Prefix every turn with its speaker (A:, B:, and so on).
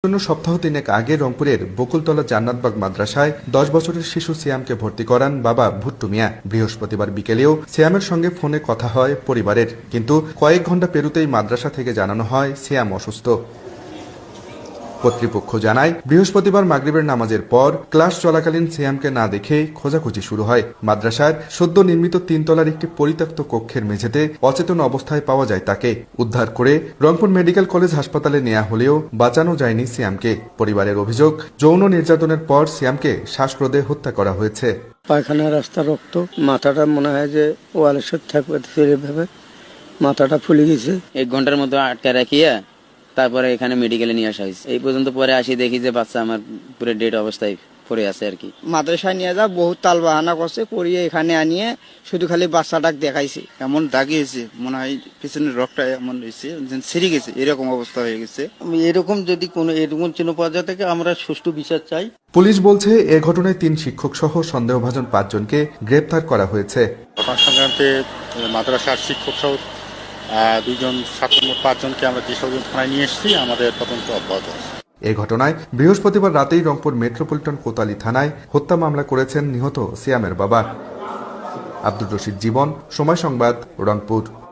A: সপ্তাহ তিনেক আগে রংপুরের বকুলতলা জান্নাতবাগ মাদ্রাসায় 10 বছরের শিশু সিয়ামকে ভর্তি করান বাবা ভুট্টু মিয়া। বৃহস্পতিবার বিকেলেও সিয়ামের সঙ্গে ফোনে কথা হয় পরিবারের, কিন্তু কয়েক ঘন্টা পেরুতেই মাদ্রাসা থেকে জানানো হয় সিয়াম অসুস্থ। কর্তৃপক্ষ জানায়, বৃহস্পতিবার মাগরিবের নামাজের পর ক্লাস চলাকালীন সিয়ামকে না দেখে খোঁজাখুঁজি শুরু হয়। মাদ্রাসার সদ্য নির্মিত 3 তলার একটি পরিত্যক্ত কক্ষের মেঝেতে অচেতন অবস্থায় পাওয়া যায় তাকে। উদ্ধার করে রংপুর মেডিকেল কলেজ হাসপাতালে নেওয়া হলেও বাঁচানো যায়নি সিয়ামকে। পরিবারের অভিযোগ, যৌন নির্যাতনের পর সিয়ামকে শ্বাসরোধে হত্যা করা হয়েছে।
B: পায়খানা রাস্তা রক্ত, মাথাটা মনে হয় যে ওয়ালের সাথে থাকবে, ভেবে মাথাটা ফুলে গেছে।
C: 1 ঘন্টার মতো আটকে রাখিয়া তারপরে এখানে মেডিকেলে নিয়ে আসা হয়েছে। এই পর্যন্ত পরে আসি দেখি যে বাচ্চা আমার পুরো ডেড অবস্থায় পড়ে আছে আর কি।
D: মাদ্রাসায় নিয়ে যা বহুত তাল বাহানা করছে, করিয়ে এখানে আনিয়ে শুধু খালি বাচ্চাটাকে দেখাইছে।
E: এমন দাগিয়েছে, মনে হয় পিছনের রকটা এমন হয়েছে, ছিঁড়ে গেছে, এরকম অবস্থা হয়ে গেছে।
B: এরকম যদি কোনো এরকম চিহ্ন পাওয়া যায় থেকে আমরা সুষ্ঠু বিচার চাই।
A: পুলিশ বলছে, এ ঘটনায় 3 শিক্ষক সহ সন্দেহভাজন 5 জনকে গ্রেপ্তার করা হয়েছে।
F: ঘটনা সংক্রান্তে মাদ্রাসার শিক্ষক সহ 2 জন ছাত্র, মোট 5 জনকে আমরা যেসব থানায় নিয়ে এসেছি, আমাদের তদন্ত অব্যাহত আছে।
A: এ ঘটনায় বৃহস্পতিবার রাতেই রংপুর মেট্রোপলিটন কোতোয়ালি থানায় হত্যা মামলা করেছেন নিহত সিয়ামের বাবা। আব্দুর রশিদ জীবন, সময় সংবাদ, রংপুর।